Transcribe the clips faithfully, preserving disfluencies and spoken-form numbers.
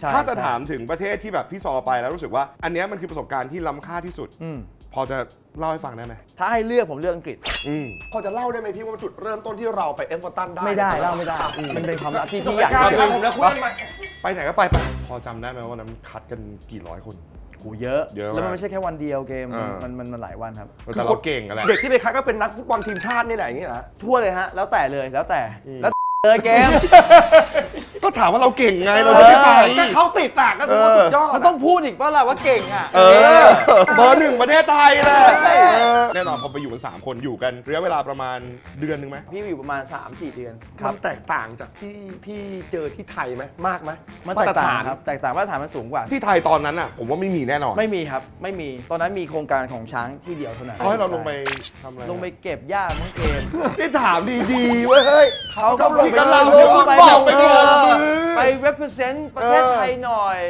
ถ้าจะถามถึงประเทศที่แบบพี่ซอไปแล้วรู้สึกว่าอันนี้มันคือประสบการณ์ที่ล้ำค่าที่สุดพอจะเล่าให้ฟังได้ไหมถ้าให้เลือกผมเลือกอังกฤษพอจะเล่าได้ไหมพี่ว่าจุดเริ่มต้นที่เราไปเอฟเวอร์ตันได้ไม่ได้เล่าไม่ได้มันเป็นความลับที่พี่อยากจะผมนะคุณไปไหนก็ไปไปพอจำได้ไหมว่านั้นคัดกันกี่ร้อยคนกูเยอะแล้วมันไม่ใช่แค่วันเดียวเกมมันมันมันหลายวันครับแต่เราเก่งอะไรเด็กที่ไปคัดก็เป็นนักฟุตบอลทีมชาตินี่แหละอย่างนี้นะทั่วเลยฮะแล้วแต่เลยแล้วแต่แล้วเลยเกมก็ถามว่าเราเก่งไงเราไม่ไปก็เขาติดตากก็ถือว่าสุดยอดมันต้องพูดอีกว่าเราว่าเก่งอ่ะเออเบอร์หนึ่งประเทศไทยเลยแน่นอนพอไปอยู่กันสามคนอยู่กันระยะเวลาประมาณเดือนนึงไหมพี่อยู่ประมาณ สามสี่ เดือนมันแตกต่างจากที่พี่เจอที่ไทยไหมมากไหมมันแตกต่างครับแตกต่างมาตรฐานมันสูงกว่าที่ไทยตอนนั้นอ่ะผมว่าไม่มีแน่นอนไม่มีครับไม่มีตอนนั้นมีโครงการของช้างที่เดียวเท่านั้นเขาให้เราลงไปทำอะไรลงไปเก็บหญ้าทั้งเกมที่ถามดีๆเว้ยเฮ้ยเขาก็ลงไปไปไป represent ประเทศไทยหน่อย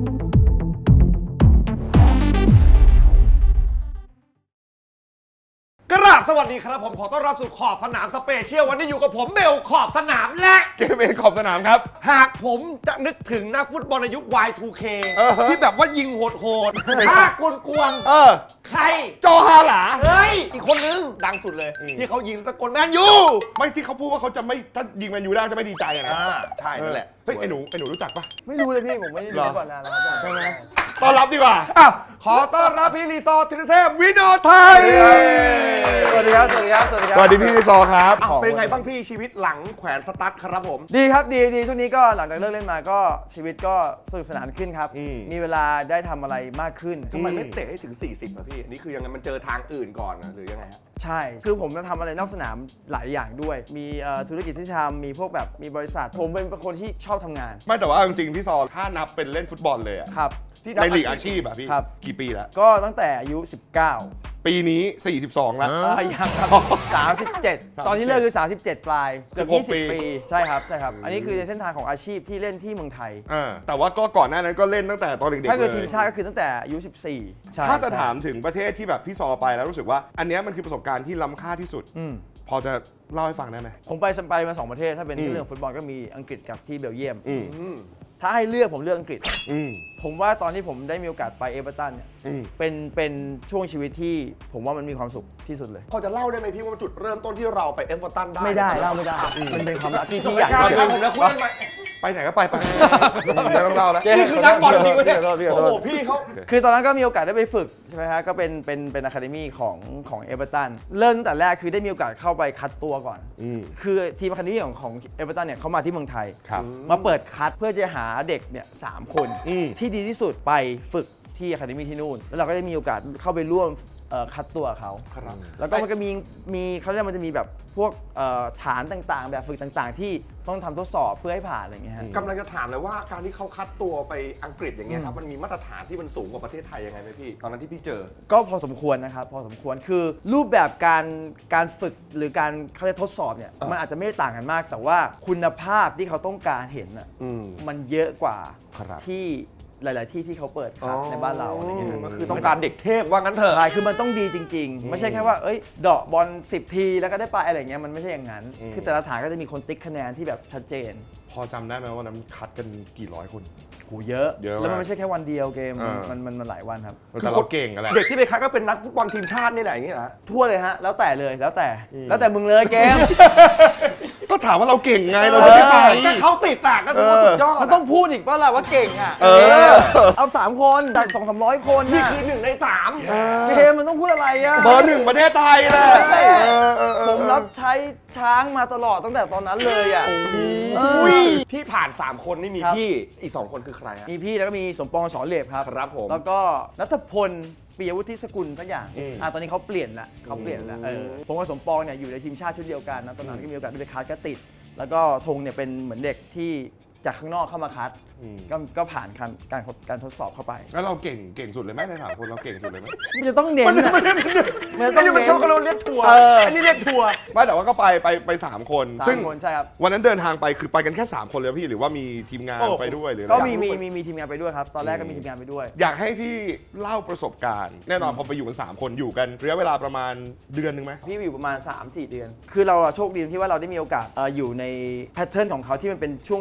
กราบสวัสดีครับผมขอต้อนรับสู่ขอบสนามสเปเชียลวันนี้อยู่กับผมเบลขอบสนามและเกมเองขอบสนามครับหากผมจะนึกถึงนักฟุตบอลในยุค วาย ทู เค ที่แบบว่ายิงโหดๆท่ากวนๆใครโจฮาหลาเฮ้ยอีกคนนึงดังสุดเลยที่เขายิงตะโกนแมนยูไม่ที่เขาพูดว่าเขาจะไม่ถ้ายิงแมนยูได้จะไม่ดีใจอะนะใช่นั่นแหละเฮ้ยไอ้หนูไอ้หนูรู้จักปะไม่รู้เลยพี่ผมไม่ได้ดูก่อนนานแล้วใช่ไหมต้อนรับดีกว่าอ้าวขอต้อนรับพี่รีซอร์ธีรเทพวิโนไทยสวัสดีครับสวัสดีครับสวัสดีครับสวัสดีพี่รีซอร์ครับเป็นไงบ้างพี่ชีวิตหลังแขวนสตั๊ดครับผมดีครับดีดีช่วงนี้ก็หลังจากเลิกเล่นมาก็ชีวิตก็สนุกสนานขึ้นครับมีเวลาได้ทำอะไรมากขึ้นทำไมไม่เตะให้ถึงสี่สิบอ่ะพี่นี่คือยังไงมันเจอทางอื่นก่อนหรือยังไงฮะใช่คือผมจะทำอะไรนอกสนามหลายอย่างด้วยมีธุรกิจที่ทำมีพวกแบบมีบริษัทผมเป็นคนที่ชอบทำงานไม่แต่ว่าจริงๆพี่ซอถ้านับเป็นเล่นฟุตบอลเลยอ่ะครับในลีกอาชีพอ่ะพี่กี่ปีแล้วก็ตั้งแต่อายุสิบเก้าปีนี้สี่สิบสองแล้วยังครับสามสิบเจ็ดตอนที่เลิกคือสามสิบเจ็ดปลายเกือบยี่สิบปีใช่ครับใช่ครับอันนี้คือในเส้นทางของอาชีพที่เล่นที่เมืองไทยแต่ว่าก็ก่อนหน้านั้นก็เล่นตั้งแต่ตอนเด็กๆเลยถ้าเกิดทีมชาติก็คือตั้งแต่อายุสิบสี่ถ้าจะถามถึงประเทศที่แบบพี่ซอไปแล้วรู้สึกว่าอันนี้มันคือประสบการณ์ที่ล้ำค่าที่สุดพอจะเล่าให้ฟังได้ไหมผมไปไปมาสองประเทศถ้าเป็นเรื่องฟุตบอลก็มีอังกฤษกับที่เบลเยียมถ้าให้เลือกผมเลือกอังกฤษผมว่าตอนที่ผมได้มีโอกาสไปเอเวอร์ตันเนี่ยเป็นเป็นช่วงชีวิตที่ผมว่ามันมีความสุขที่สุดเลยพอจะเล่าได้ไหมพี่ว่าจุดเริ่มต้นที่เราไปเอเวอร์ตันได้ไม่ได้เล่าไม่ได้มันเป็นความลับที่พี่อยากจะผมนะคุณไปไหนก็ไปไปจะต้องเล่าแล้วนี่คือนักบอลจริงไหมเนี่ยโอ้โหพี่เขาคือตอนนั้นก็มีโอกาสได้ไปฝึกใช่ไหมฮะก็เป็นเป็นเป็นอะคาเดมี่ของของเอเวอร์ตันเริ่มตั้งแต่แรกคือได้มีโอกาสเข้าไปคัดตัวก่อนคือทีมอะคาเดมี่ของของเอเวอร์ตันเนี่ยเขามาที่เมืองไทยมาเปิดคัดเพื่อจะหาเด็กเนี่ยสามคนที่ดีที่สุดไปฝึกที่อะคาเดมี่ที่นู่นแล้วเราก็ได้มีโอกาสเข้าไปร่วมคัดตัวเขาแล้วก็มันก็มีมีเขาเรียกมันจะมีแบบพวกฐานต่างๆแบบฝึกต่างๆที่ต้องทำทดสอบเพื่อให้ผ่านอะไรอย่างเงี้ยกำลังจะถามเลยว่าการที่เขาคัดตัวไปอังกฤษอย่างเงี้ยครับมันมีมาตรฐานที่มันสูงกว่าประเทศไทยยังไงไหมพี่ตอนนั้นที่พี่เจอก็พอสมควรนะครับพอสมควรคือรูปแบบการการฝึกหรือการเขาเรียกทดสอบเนี่ยมันอาจจะไม่ได้ต่างกันมากแต่ว่าคุณภาพที่เขาต้องการเห็นอ่ะมันเยอะกว่าที่หลายๆที่ที่เขาเปิดครับในบ้านเราอะไรเงี้ยมันคือต้องการเด็กเทพว่างั้นเถอะใช่คือมันต้องดีจริงๆไม่ใช่แค่ว่าเอ้ยเดาะบอลสิบทีแล้วก็ได้ไปอะไรเงี้ยมันไม่ใช่อย่างนั้นคือแต่ละฐานก็จะมีคนติ๊กคะแนนที่แบบชัดเจนพอจำได้ไหมว่านั้นคัดกันกี่ร้อยคนกูเยอะแล้วมันไม่ใช่แค่วันเดียวเกมมันมันมันหลายวันครับแต่เราเก่งอะไรเด็กที่ไปคัดก็เป็นนักฟุตบอลทีมชาตินี่แหละอย่างนี้นะทั่วเลยฮะแล้วแต่เลยแล้วแต่แล้วแต่มึงเลยเกมก็ถามว่าเราเก่งไงเราจะไม่ไปก็เขาติดตากก็ถือว่าสุดยอดมันต้องพูดอีกว่าเราว่าเก่งอ่ะเอาสามคนจากสองสามร้อยคนนี่คือหนึ่งในสามเกมมันต้องพูดอะไรอ่ะเบอร์หนึ่งประเทศไทยเลยผมรับใช้ช้างมาตลอดตั้งแต่ตอนนั้นเลยอ่ะที่ผ่านสามคนนี่มีพี่อีกสองคนคือใครฮะมีพี่แล้วก็มีสมปองสอนเหลบครับครับผมแล้วก็ณัฐพลปิยวุฒิสกุลสักอย่างอ่าตอนนี้เขาเปลี่ยนละเขาเปลี่ยนละเออผมกับสมปองเนี่ยอยู่ในทีมชาติชุดเดียวกันนะตอนนั้นก็มีโอกาสไปคัดก็ติดแล้วก็ธงเนี่ยเป็นเหมือนเด็กที่จากข้างนอกเข้ามาคัดก็ก็ผ่านการการการทดสอบเข้าไปแล้วเราเก่งเก่งสุดเลยไหมในสามคนเราเก่งสุดเลยไหมมันจะต้องเน้นมันไม่ได้ไม่ได้มันชอบเราเรียกทัวร์อันนี้เรียกทัวร์ไม่แต่ว่าก็ไปไปไปสามคนซึ่งใช่ครับวันนั้นเดินทางไปคือไปกันแค่สามคนเลยพี่หรือว่ามีทีมงานไปด้วยหรือก็มีมีมีมีทีมงานไปด้วยครับตอนแรกก็มีทีมงานไปด้วยอยากให้พี่เล่าประสบการณ์แน่นอนพอไปอยู่กันสามคนอยู่กันระยะเวลาประมาณเดือนนึงไหมพี่อยู่ประมาณ สามสี่ เดือนคือเราโชคดีที่ว่าเราได้มีโอกาสอยู่ในแพทเทิร์นของเขาที่มันเป็นช่วงช่วงบ่าย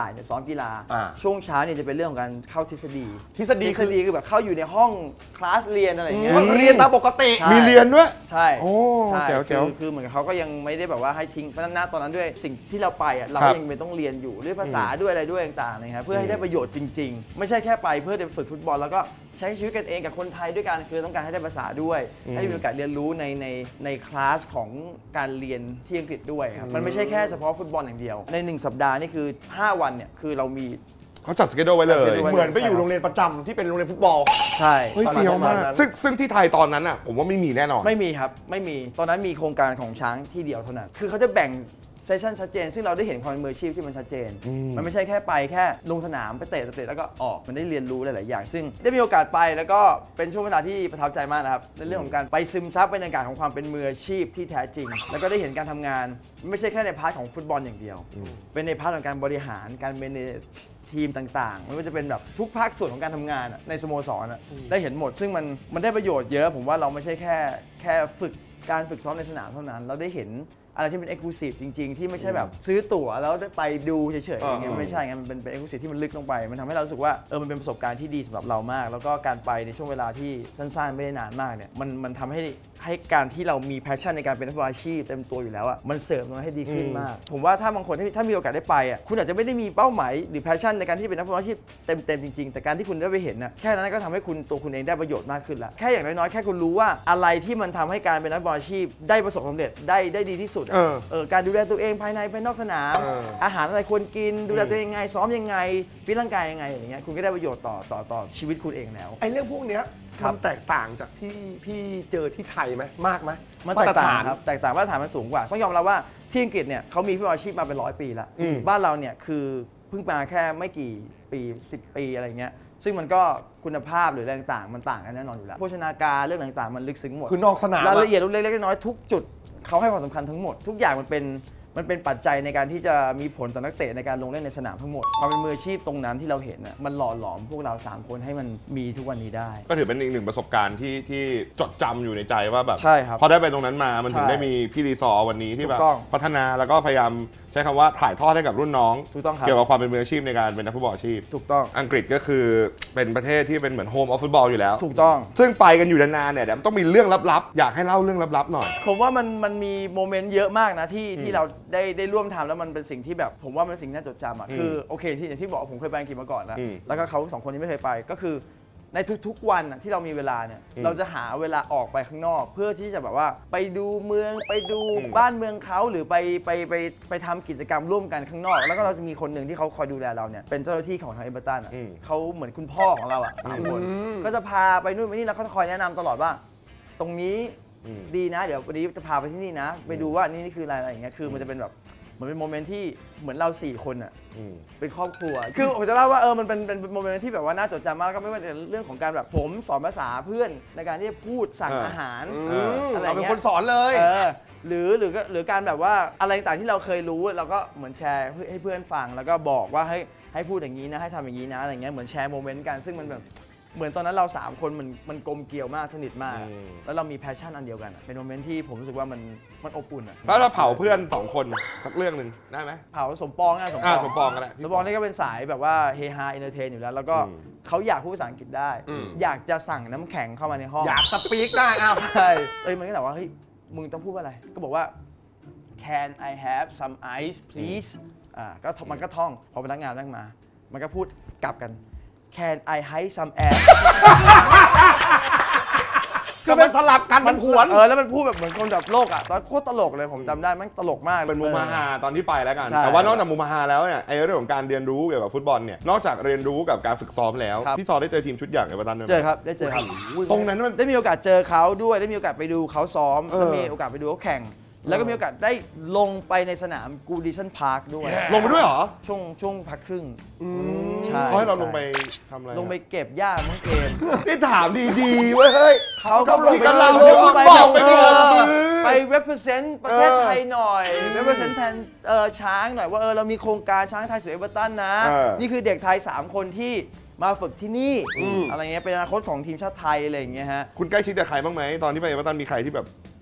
ายเนี่ยซ้อมกีฬาอ่าช่วงเช้าเนี่ยจะเป็นเรื่องของการเข้าทฤษฎีทฤษฎีทฤคืษอฎีคือแบบเข้าอยู่ในห้องคลาสเรียนอะไรอย่างเงี้ยเรียนตามปกติใช่มีเรียนด้วยใช่โอ้ใช่แจ๋วคืแจ๋วอคือเหมือนกับเขาก็ยังไม่ได้แบบว่าให้ทิ้งเพราะฉะนั้นณตอนนั้นด้วยสิ่งที่เราไปอ่ะเราครัก็บยังเป็นต้องเรียนอยู่ด้วยภาษาด้วยอะไรด้วยต่างๆนะครับเพื่อให้ได้ประโยชน์จริง ๆ ไม่ใช่แค่ไปเพื่อจะฝึกฟุตบอลแล้วก็ใช้ชีวิตกันเองกับคนไทยด้วยกันคือต้องการให้ได้ภาษาด้วย ให้มีโอกาสเรียนรู้ในในในคลาสของการเรียนที่อังกฤษด้วยครับมันไม่ใช่แค่เฉพาะฟุตบอลอย่างเดียวในหนึ่งสัปดาห์นี่คือห้าวันเนี่ยคือเรามีเขาจัดสเกจไว้เลยจัด schedule ไว้เหมือนไปอยู่โรงเรียนประจำที่เป็นโรงเรียนฟุตบอลใช่เฮ้ยประมาณเฟี้ยวมากนั้นซึ่งซึ่งที่ไทยตอนนั้นอ่ะผมว่าไม่มีแน่นอนไม่มีครับ ไม่มี ตอนนั้นมีโครงการของช้างที่เดียวเท่านั้น คือเขาจะแบ่งเซสชั่นชัดเจน ซึ่งเราได้เห็นความเป็นมืออาชีพที่มันชัดเจน มันไม่ใช่แค่ไปแค่ลงสนามไปเตะเตะแล้วก็ออก มันได้เรียนรู้หลาย ๆ อย่าง ซึ่งได้มีโอกาสไปแล้วก็เป็นช่วงเวลาที่ประทับใจมากนะครับ ในเรื่องของการไปซึมซับบรรยากาศของความเป็นมืออาชีพที่แท้จริง แล้วก็ได้เห็นการทำงาน ไม่ใช่แค่ในพาร์ทของฟุตบอลอย่างเดียว เป็นในพาร์ทของการบริหาร การเมเนจทีมต่างๆ ไม่ว่าจะเป็นแบบทุกภาคส่วนของการทำงานอะในสโมสรอะได้เห็นหมด ซึ่งมันมันได้ประโยชน์เยอะ ผมว่าเราไม่ใช่แค่แค่ฝึกการฝึกซ้อมในสนามเท่านั้น เราได้เห็นอะไรที่เป็น exclusive จริง ๆ ที่ไม่ใช่แบบซื้อตั๋วแล้วได้ไปดูเฉยๆอย่างเงี้ยไม่ใช่ไงมันเป็นเป็น exclusive ที่มันลึกลงไป มันทำให้เรารู้สึกว่าเออมันเป็นประสบการณ์ที่ดีสำหรับเรามาก แล้วก็การไปในช่วงเวลาที่สั้นๆไม่ได้นานมากเนี่ยมันมันทำให้ให้การที่เรามี passion ในการเป็นนักฟุตบอลอาชีพเต็มตัวอยู่แล้วอะมันเสริมมันให้ดีขึ้นมาก ผมว่าถ้าบางคนที่ถ้ามีโอกาสได้ไปอะคุณอาจจะไม่ได้มีเป้าหมายหรือ passion ในการที่เป็นนักฟุตบอลอาชีพเต็มๆจริงๆแต่การที่คุณได้ไปเห็นนะแค่นั้นก็ทำให้คุณตัวคุณเองได้ประโยชน์มากขึ้นละแค่อย่างน้อยๆแค่คุณรู้ว่าอะไรที่มันทำให้การเป็นนักฟุตบอลอาชีพได้ประสบความสำเร็จได้ได้ดีที่สุดอะเออเออการดูแลตัวเองภายในภายนอกสนามเอออาหารอะไรควรกินดูแลตัวเองยังไงซ้อมยังไงฟิตร่างกายยังไงอย่างเงี้ยคุณก็ได้ประโยชน์ต่อต่อต่อชีวิตคุณเองแล้วไอ้เรื่องพวกเนี้ยครัมับนแตกต่างจากที่พี่เจอที่ไทยไหมมากไหมมันแตกต่างมตรฐนครับแตกต่างมาตรฐานมันสูงกว่าต้องยอมรับว่าที่อังกฤษเนี่ยเขามีฟุตบอลอาชีพมาเป็นร้อยปีแล้วอืมบ้านเราเนี่ยคือเพิ่งมาแค่ไม่กี่ปีสิบปีอะไรเงี้ยซึ่งมันก็คุณภาพหรืออะไรต่างๆมันต่างกันแน่นอนอยู่แล้วโภชนาการเรื่องต่างๆมันลึกซึ้งหมดคือนอกสนามรายอะละเอียดเล็กๆน้อยๆทุกจุดเขาให้ความสำคัญทั้งหมด ทุกอย่างมันเป็นมันเป็นปัจจัยในการที่จะมีผลต่อนักเตะในการลงเล่นในสนามทั้งหมดความเป็นมืออาชีพตรงนั้นที่เราเห็นน่ะมันหล่อหลอมพวกเราสามคนให้มันมีทุกวันนี้ได้ก็ถือเป็นอีกหนึ่งประสบการณ์ที่ที่จดจำอยู่ในใจว่าแบบใช่ครับพอได้ไปตรงนั้นมามันถึงใช่ได้มีพี่รีซอร์วันนี้ที่แบบถูกต้องพัฒนาแล้วก็พยายามใช้คำว่าถ่ายทอดให้กับรุ่นน้องถูกต้องครับเกี่ยวกับความเป็นมืออาชีพในการเป็นนักฟุตบอลอาชีพถูกต้องอังกฤษก็คือเป็นประเทศที่เป็นเหมือนโฮมออฟฟุตบอลอยู่แล้วถูกต้องซึ่งไปกันอยู่นานๆเนี่ยเดี๋ยวมันต้องมีเรื่องลับๆ อยากให้เล่าเรื่องลับๆหน่อยผมว่ามันมันมีโมเมนต์เยอะมากนะที่ที่เราได้ได้ร่วมทำแล้วมันเป็นสิ่งที่แบบผมว่ามันเป็นสิ่งที่น่าจดจำอ่ะอืมคือโอเคที่อย่างที่บอกผมเคยไปอังกฤษมาก่อนแล้วอืมแล้วก็เขาสองคนนี้ไม่เคยไปก็คือในทุกๆวันน่ะที่เรามีเวลาเนี่ยอืมเราจะหาเวลาออกไปข้างนอก เพื่อที่จะแบบว่าไปดูเมืองไปดูอืมบ้านเมืองเขาหรือไปไปไปไปทำกิจกรรมร่วมกันข้างนอก แล้วก็เราจะมีคนหนึ่งที่เขาคอยดูแลเราเนี่ยเป็นเจ้าหน้าที่ของทางเอเบอร์ตันอ่ะอืมเขาเหมือนคุณพ่อของเราอ่ะสามคนอืมก็จะพาไปนู่นไปนี่แล้วเขาจะคอยแนะนำตลอดว่า ตรงนี้อืมดีนะ เดี๋ยววันนี้จะพาไปที่นี่นะ ไปดูว่านี่นี่คืออะไรอะไรอย่างเงี้ยคือมันจะเป็นแบบเหมือนเป็นโมเมนต์ที่เหมือนเราสี่คนอ่ะอืมเป็นครอบครัว คือผมจะเล่าว่าเออมันเป็นเป็นโมเมนต์ที่แบบว่าน่าจดจำมากก็ไม่ว่าจะเรื่องของการแบบผมสอนภาษาเพื่อนในการที่จะพูดสั่งอ่าอาหารอืมอะไรเราเงี้ยเป็นคนสอนเลยเออหรือหรือก็หรือการแบบว่าอะไรต่างๆที่เราเคยรู้เราก็เหมือนแชร์ให้เพื่อนฟังแล้วก็บอกว่าให้ให้พูดอย่างนี้นะให้ทำอย่างนี้นะอะไรเงี้ยเหมือนแชร์โมเมนต์กันซึ่งมันแบบเหมือนตอนนั้นเราสามคนมันมันกลมเกลียวมากสนิทมากอืมแล้วเรามีแพชชั่นอันเดียวกันอะเป็นโมเมนต์ที่ผมรู้สึกว่ามันมันอบอุ่นอะแล้วเราเผาเพื่อนสองคนสักเรื่องหนึ่งได้ไหมเผาสมปองอะสมปอ่าองสมปองก็ได้สมปองนี่ก็เป็นสายแบบว่าเฮฮาเอนเตอร์เทนอยู่แล้ว แล้วก็อืมเขาอยากพูดภาษาอังกฤษได้อืมอยากจะสั่งน้ำแข็งเข้ามาในห้องอยากสปีกได้อ้าวใช่เอ้ยมันก็แบบว่าเฮ้ยมึงต้องพูดว่าอะไร ก็บอกว่า can I have some ice please อ่าก็มันก็ท่องพอพนักงานนั่งมา มันก็พูดกลับกัน can I hide some air คือมันสลับกันมันหวนเออแล้วมันพูดแบบเหมือนคนแบบโลกอ่ะตอนโคตรตลกเลยผมจำได้มันตลกมากเป็นมุมฮาตอนที่ไปแล้วกันใช่แต่ว่านอกจากมุมฮาแล้วเนี่ยไอ้เรื่องของการเรียนรู้เกี่ยวกับฟุตบอลเนี่ยนอกจากเรียนรู้กับการฝึกซ้อมแล้วครับพี่ซอได้เจอทีมชุดใหญ่เอเวอร์ตันด้วยไหมเจอครับได้เจอครับตรงนั้นมันได้มีโอกาสเจอเขาด้วยได้มีโอกาสไปดูเขาซ้อมเออแล้วมีโอกาสไปดูเขาแข่ง แล้วก็มีโอกาสได้ลงไปในสนามกูดิชันพาร์คด้วยลงไปด้วยเหรอช่วงช่วงพักครึ่งใช่เขาให้เราลงไปทำอะไรลงไปเก็บหญ้าทั้งเกมนี่ถามดีๆเว้ยเฮ้ยเขาก็ลงกำลังลงไปบอกไปแบบบอกเออมือไป represent ประเทศไทยหน่อย represent แทนเอ่อช้างหน่อยว่าเออเรามีโครงการช้างไทยสู่เอเวอร์ตันนะเออนี่คือเด็กไทยสามคนที่มาฝึกที่นี่อะไรเงี้ยเป็นอนาคตของทีมชาติไทยอะไรอย่างเงี้ยฮะคุณใกล้ชิดกับใครบ้างไหมตอนที่ไปเอเวอร์ตันมีใครที่แบบ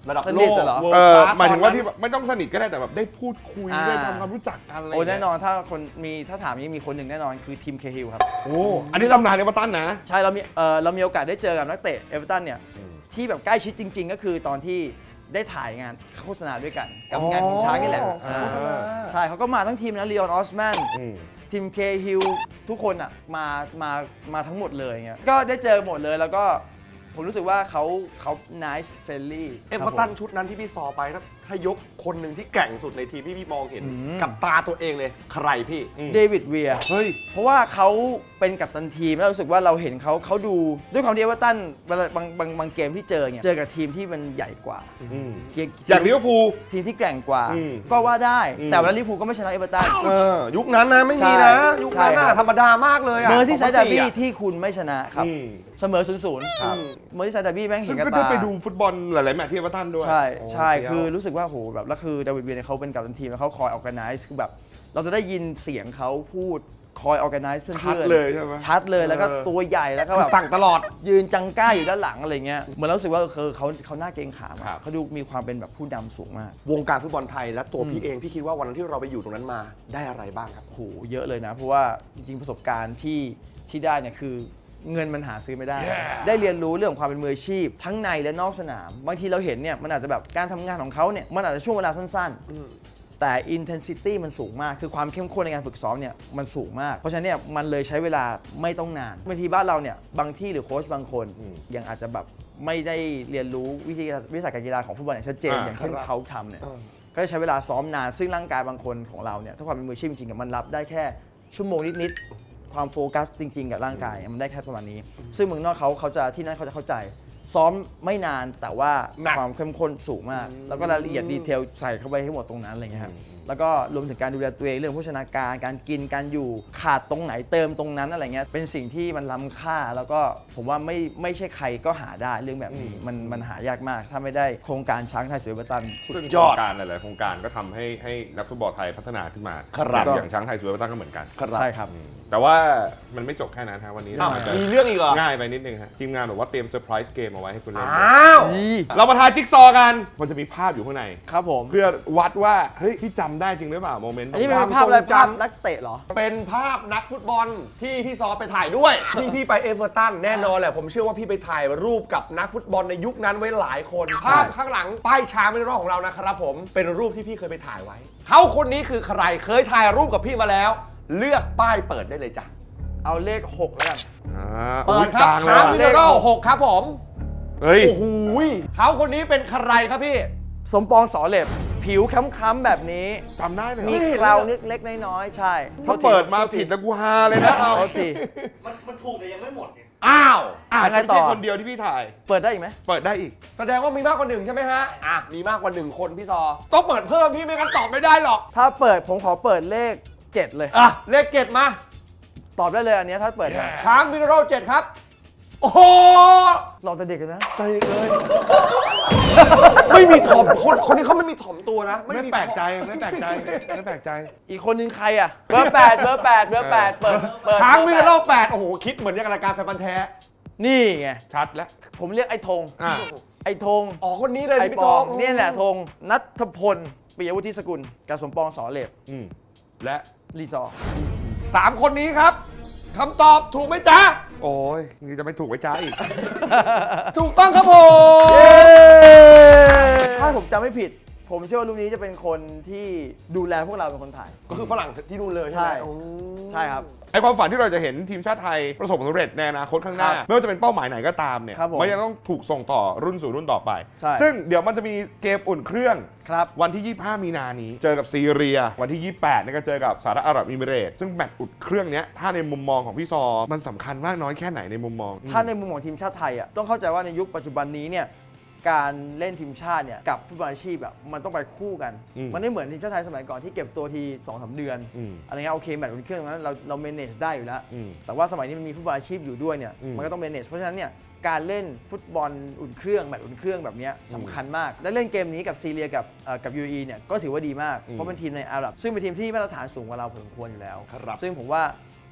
ระดับสโลนิทกเหรอ world เออ class หมายถึงว่าตอนนั้นที่แบบไม่ต้องสนิทก็ได้แต่แบบได้พูดคุยอ่าได้ทำความรู้จักกันอะไรโอ้ย่างแน่เงี้ยนอนถ้าคนมีถ้าถามนี้มีคนหนึ่งแน่นอนคือทีมเคฮิลครับโอ้อันนี้ตำนานเอเวอร์ตันนะใช่เรามีเออเรามีโอกาสได้เจอกับนักเตะเอเวอร์ตันเนี่ยที่แบบใกล้ชิดจริง ๆ ก็คือตอนที่ได้ถ่ายงานโฆษณาด้วยกัน กับงานของช้างนี่แหละอ๋ออ่าอ่าใช่เขาก็มาทั้งทีมนะลีออนออสแมนอืมทีมเคฮิลทุกคนอ่ะมามามาทั้งหมดเลยเงี้ยก็ได้เจอหมดเลยแล้วก็ผมรู้สึกว่าเขาเขา nice friendly เอเวอร์ตันชุดนั้นที่พี่ซอไปถ้าถ้ายกคนหนึ่งที่แกร่งสุดในทีมที่พี่มองเห็นอืมกับตาตัวเองเลย ใครพี่เดวิดเวียเฮ้ยเพราะว่าเขาเป็นกัปตันทีมแล้วรู้สึกว่าเราเห็นเขาเขาดูด้วยความที่เอเวอร์ตันเวลาบางบางบางเกมที่เจอเนี่ยเจอกับทีมที่มันใหญ่กว่าอืมเกมอย่างลิเวอร์พูลทีมที่แกร่งกว่าอืมก็ว่าได้อืมแต่ว่าลิเวอร์พูลก็ไม่ชนะเอเวอร์ตันเออ ยุคนั้นนะไม่มีใช่นะ ยุคนั้นใช่ครัน่ะบธรรมดามากเลยอะเมอร์ซี่ไซด์ดาร์บี้สองพันสี่อะที่คุณไม่ชนะครับอืมเสมอศูนย์ศูนย์ครับเมอร์ซี่ไซด์ดาร์บี้แม่งเห็ซึ่นงกับก็ตาได้ไปดูฟุตบอลหลายๆแมตช์ที่เอเวอร์ตันด้วยใช่ใช่โคือรู้สึกว่าโหแบบแล้วคือดาวิดเวียเนี่ยเขาเป็นกัปตันทีมแล้วเขาคอยออ g a แก z e คือแบบเราจะได้ยินเสียงเขาพูดคอยออ g a แก z e เพื่อนๆชัดเลยใช่ไหมชัดเลยแล้วก็เออตัวใหญ่แล้วก็คือแบบสั่งตลอดยืนจังก้าอยู่ด้านหลังอะไรเงี้ยเหมือนเรารู้สึกว่าคือเขาเขาหน้าเกรงขามอะครับเขาดูมีความเป็นแบบผู้นำสูงมากวงการฟุตบอลไทยและตัวพี่เองพี่คิดว่าวันนั้นที่เราไปอยู่ตรงนั้นมาได้อะไรบ้างครับโหเยอะเลยนะ เพราะว่าจริงๆประสบการณ์ที่ที่ได้เนี่ยคือเงินมันหาซื้อไม่ได้ Yeah. ได้เรียนรู้เรื่องของความเป็นมืออาชีพ ทั้งในและนอกสนาม บางทีเราเห็นเนี่ยมันอาจจะแบบการทำงานของเขาเนี่ยมันอาจจะช่วงเวลาสั้นๆ แต่ intensity มันสูงมาก คือความเข้มข้นในการฝึกซ้อมเนี่ยมันสูงมาก เพราะฉะนั้นเนี่ยมันเลยใช้เวลาไม่ต้องนานบางทีบ้านเราเนี่ยบางที่หรือโค้ชบางคนอืมยังอาจจะแบบไม่ได้เรียนรู้วิธีวิสัยการกีฬาของฟุตบอลอย่างชัดเจนอ่าอย่างเช่นครับเขาทำเนี่ย ก็จะใช้เวลาซ้อมนาน ซึ่งร่างกายบางคนของเราเนี่ยถ้าความเป็นมืออาชีพจริงๆอะมันรับได้แค่ชั่วโมงนิดๆความโฟกัสจริงๆกับร่างกายมันได้แค่ประมาณนี้ ซึ่งเมืองนอกเขาเขาจะที่นั่นเขาจะเข้าใจ ซ้อมไม่นานแต่ว่าหนักความเข้มข้นสูงมาก แล้วก็รายละเอียดดีเทลใส่เข้าไปให้หมดตรงนั้นอะไรเงี้ยครับแล้วก็รวมถึงการดูแลตัวเองเรื่องโภชนาการการกินการอยู่ขาดตรงไหนเติมตรงนั้นอะไรเงี้ยเป็นสิ่งที่มันล้ำค่าแล้วก็ผมว่าไม่ไม่ใช่ใครก็หาได้เรื่องแบบนี้มันมันหายากมาก ถ้าไม่ได้โครงการช้างไทยสวยเอเวอร์ตันซึ่งยอดโครงการหลายๆโครงการก็ทำให้ให้นักฟุตบอลไทยพัฒนาขึ้นมาครับอย่างอย่างช้างไทยสวยเอเวอร์ตันก็เหมือนกันใช่ครับแต่ว่ามันไม่จบแค่นั้นฮะวันนี้อ้าวอาจจะมีเรื่องอีกเหรอง่ายไปนิดนึงฮะทีมงานบอกว่าเตรียมเซอร์ไพรส์เกมเอาไว้ให้คุณเล่นอ้าวเรามาทายจิ๊กซอว์กัน มันจะมีภาพอยู่ข้างในครับผมเพื่อวัดว่าเฮ้ยพี่จำได้จริงหรือเปล่าโมเมนต์อันนี้เป็นความภาพอะไรทรงจำภาพนักเตะเหรอเป็นภาพนักฟุตบอลที่พี่ซอไปถ่ายด้วย ที่พี่ไปเอเวอร์ตันแน่นอนแหละผมเชื่อว่าพี่ไปถ่ายรูปกับนักฟุตบอลในยุคนั้นไว้หลายคน ภาพข้างหลังป้ายช้างเป็นรอบของเรานะครับผมเป็นรูปที่พี่เคยไปถ่ายไว้เขาคนนี้คือใครเคยถ่ายรูปกับพี่มาแล้ว เลือกป้ายเปิดได้เลยจ้ะเอาเลขหกแล้วกันอ่าเปิดคกรับลางช้างเลมิยเนอรัลหกครับผมเฮ้ยโอ้โหยเขาคนนี้เป็นใครครับพี่สมปองสอเหล็บ ผิวค้ำๆแบบนี้จำได้เลยมีเหรอเคราวนิดเล็กๆน้อยๆใช่ถ้าเปิดมาผิดแล้วกูฮาเลยนะโทษทีมันมันถูกแต่ยังไม่หมดไงอ้าวอาจยังไงจะต่ไม่อใช่คนเดียวที่พี่ถ่ายเปิดได้อีกไหมเปิดได้อีกแสดงว่ามีมากกว่าหนึ่งใช่ไหมฮะอ่ะมีมากกว่าหนึ่งคนพี่ซอต้องเปิดเพิ่มพี่ไม่งั้นตอบไม่ได้หรอกถ้าเปิดผมขอเปิดเลขเจ็ดเลยอ่ะเลขเจ็ดมาตอบได้เลยอันเนี้ยถ้าเปิดได้ช้างมิเนอรัลเจ็ดครับ โอ้โหลองแต่เด็กกันนะใจเลย ไม่มีถ่อมคนคนนี้เขาไม่มีถ่อมตัวนะไม่มีแปลกใจไม่แปลกใจไม่แปลกใจอีกคนนึงใครอ่ะ เบอร์แปดเบอร์แปดเบอร์แปดเปิดเปิดช้างมิเนอรัลบอร์แปดแปดโอ้โห คิดเหมือนอย่างรายการแฟนพันธ์แท้นี่ไงชัดแล้วผมเรียกไอ้ธงอ่าไอ้ธงอ๋อ คนนี้เลยไอ้พี่ปโจองเนี่ยแหละธงนัทพลปิยวุฒิสกุลกับสมปองสอเหล็บอืมและรีซอร์สามคนนี้ครับคำตอบถูกไหมจ๊ะโอ้ยนี่จะไม่ถูกไว้จ้าอีกถูกต้องครับผมถ้าผมจำไม่ผิด ผมเชื่อว่ารูปนี้จะเป็นคนที่ดูแลพวกเราเป็นคนถ่ายก็คือฝรั่งที่นู่นเลยใช่ไหมใช่โอ้ใช่ครับไอความฝันที่เราจะเห็นทีมชาติไทยประสบความสำเร็จในอนาคตข้างหน้าครับไม่ว่าจะเป็นเป้าหมายไหนก็ตามเนี่ยครับผมมันยังต้องถูกส่งต่อรุ่นสู่รุ่นต่อไปใช่ซึ่งเดี๋ยวมันจะมีเกมอุ่นเครื่องครับวันที่ ยี่สิบห้า มีนานี้ เจอกับซีเรีย วันที่ ยี่สิบแปดเนี่ยก็เจอกับสหรัฐอาหรับเอมิเรตส์ซึ่งแมตช์อุ่นเครื่องเนี้ยถ้าในมุมมองของพี่ซอ มันสำคัญมากน้อยแค่ไหนในมุมมองถ้าในมุมของทีมชาติไทยอ่ะต้องเข้าใจว่าในยุคปัจจุบันนี้เนี่ยการเล่นทีมชาติเนี่ยกับฟุตบอลอาชีพอ่ะมันต้องไปคู่กันอืมมันไม่เหมือนทีมชาติไทยสมัยก่อนที่เก็บตัวทีสองสามเดือนอืมอะไรเงี้ยโอเคแมตช์อุ่นเครื่องตรงนั้นเราเรา manage ได้อยู่แล้วอืมแต่ว่าสมัยนี้มันมีฟุตบอลอาชีพอยู่ด้วยเนี่ยอืมมันก็ต้อง manage เพราะฉะนั้นเนี่ยการเล่นฟุตบอลอุ่นเครื่องแมตช์อุ่นเครื่องแบบเนี้ยสำคัญมาก และเล่นเกมนี้กับซีเรียกับเอ่อกับ ยู เอ อี เนี่ยก็ถือว่าดีมากอืมเพราะเป็นทีมในอาหรับซึ่งเป็นทีมที่มาตรฐานสูงกว่าเราพอสมควรอยู่แล้วครับซึ่งผมว่า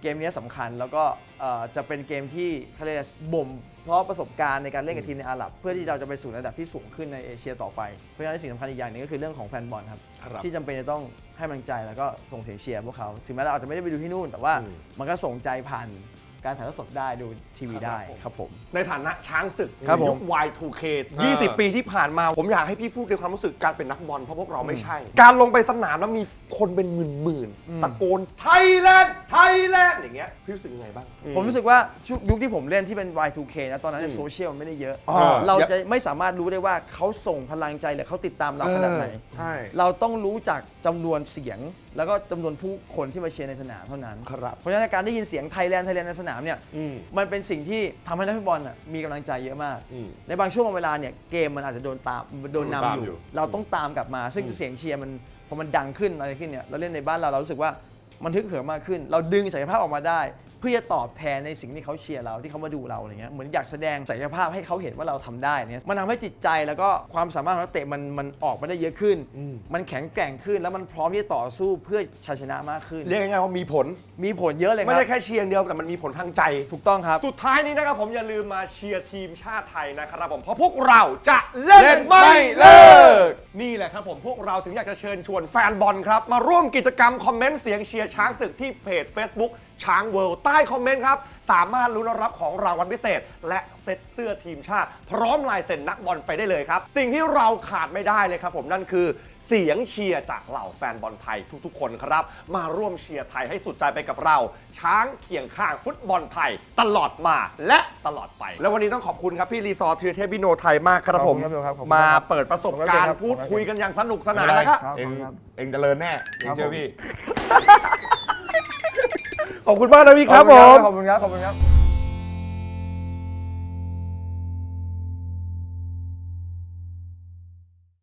เกมนี้สำคัญแล้วก็เอ่อจะเป็นเกมที่เขาเรียกบ่มเพราะประสบการณ์ในการเล่นกับทีมในอาหรับเพื่อที่เราจะไปสู่ระดับที่สูงขึ้นในเอเชียต่อไปเพราะฉะนั้นสิ่งสำคัญอีกอย่างหนึงก็คือเรื่องของแฟนบอลครับครับที่จำเป็นจะต้องให้กำลังใจแล้วก็ส่งเสียงเชียร์พวกเขาถึงแม้เราอาจจะไม่ได้ไปดูที่นู่นแต่ว่ามันก็ส่งใจผ่านการถ่ายทอดสดได้ดูทีวีได้ครับผมในฐานะช้างศึกครับผมยุค วาย ทู เค ยี่สิบ ปีที่ผ่านมาผมอยากให้พี่พูดในความรู้สึกการเป็นนักบอลเพราะพวกเราไม่ใช่ การลงไปสนามแล้วมีคนเป็นหมื่นๆตะโกนไทยแลนด์ไทยแลนด์อย่างเงี้ยพี่รู้สึกยังไงบ้างผมรู้สึกว่าชุยุคที่ผมเล่นที่เป็น วาย ทู เค นะตอนนั้นเนี่ยโซเชียลมันไม่ได้เยอะอ่าเราจะไม่สามารถรู้ได้ว่าเขาส่งพลังใจหรือเขาติดตามเราขนาดไหนใช่เราต้องรู้จากจำนวนเสียง แล้วก็จำนวนผู้คนที่มาเชียร์ในสนามเท่านั้นครับเพราะฉะนั้นการได้ยินเสียงไทยแลนด์ไทยแลนด์ในสนามเนี่ยอืมมันเป็นสิ่งที่ทำให้นักฟุตบอลน่ะมีกำลังใจเยอะมากอืมในบางช่วงบางเวลาเนี่ยเกมมันอาจจะโดนตามโดนตามนำออยู่ยู่ เราต้องตามกลับมา ซึ่งเสียงเชียร์มันพอมันดังขึ้นอะไรขึ้นเนี่ยเราเล่นในบ้านเราเรารู้สึกว่ามันฮึกเหิมมากขึ้น เราดึงศักยภาพออกมาได้ เพื่อจะตอบแทนในสิ่งที่เขาเชียร์เราที่เขามาดูเราอะไรเงี้ยเหมือนอยากแสดงศักยภาพให้เขาเห็นว่าเราทำได้เนี่ยมันทำให้จิตใจแล้วก็ความสามารถของนักเตะมันมันออกมาได้เยอะขึ้น มันแข็งแกร่งขึ้นแล้วมันพร้อมที่จะต่อสู้เพื่อชัยชนะมากขึ้นเรียกง่ายๆว่ามีผลมีผลเยอะเลยคไม่รับใช่แค่เชียร์อย่างเดียวแต่มันมีผลทางใจถูกต้องครับสุดท้ายนี้นะครับผมอย่าลืมมาเชียร์ทีมชาติไทยนะครับผมเพราะพวกเราจะเล่นไม่เลิกนี่แหละครับผมพวกเราถึงอยากจะเชิญชวนแฟนบอลครับมาร่วมกิจกรรมคอมเมนต์เสียงเชียร์ช้างศึกที่เพจ Facebook ช้างเวิลด์ใต้คอมเมนต์ครับสามารถลุ้นรับของรางวัลพิเศษ และเซ็ตเสื้อทีมชาติ พร้อมลายเซ็นนักบอลไปได้เลยครับ สิ่งที่เราขาดไม่ได้เลยครับผมนั่นคือเสียงเชียร์จากเหล่าแฟนบอลไทยทุกๆ คนครับมาร่วมเชียร์ไทยให้สุดใจไปกับเรา ช้างเคียงข้างฟุตบอลไทย ตลอดมาและตลอดไป แล้ววันนี้ต้องขอบคุณครับพี่รีซอร์ทีเทพวิโนไทยมากครับผมขอบคุณครับขอบคุณครับมาเปิดประสบการขอบคุณครับณ์พูดคุยกันอย่างสนุกสนานไม่เป็แล้วก็ครับเองขอบคุณครับเองเจริญแน่เองเชื่อพี่ขอบคุณมากนะพี่ครับผมขอบคุณครับ ขอบคุณครับ